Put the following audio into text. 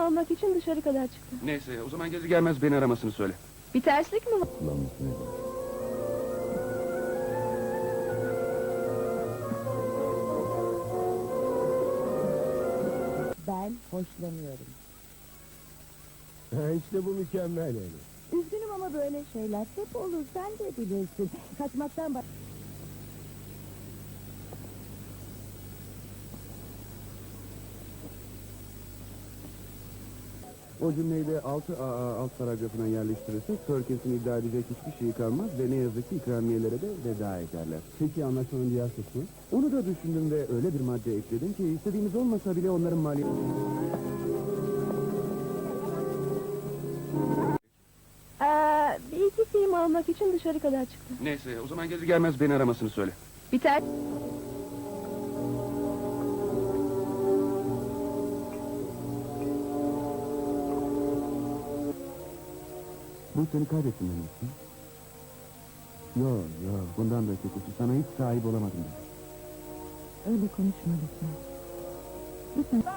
almak için dışarı kadar çıktı. Neyse, o zaman gelir gelmez beni aramasını söyle. Bir terslik mi var? Ben hoşlanıyorum. İşte bu mükemmel yani. Üzgünüm ama böyle şeyler hep olur, sen de bilirsin. Kaçmaktan O cümleyi de 6AA alt paragrafına yerleştirirsek Perkins'in iddia edecek hiçbir şey kalmaz ve ne yazık ki ikramiyelere de veda ederler. Peki anlaşmanın diğer kısmı? Onu da düşündüm ve öyle bir madde ekledim ki istediğimiz olmasa bile onların maliyeti... Bir iki film almak için dışarı kadar çıktı. Neyse, o zaman gelir gelmez beni aramasını söyle. Bir ter... Bu seni kaybettim demişsin. Yok, bundan da kötüsü. Sana hiç sahip olamadım ben. öyle konuşma lütfen. Lütfen.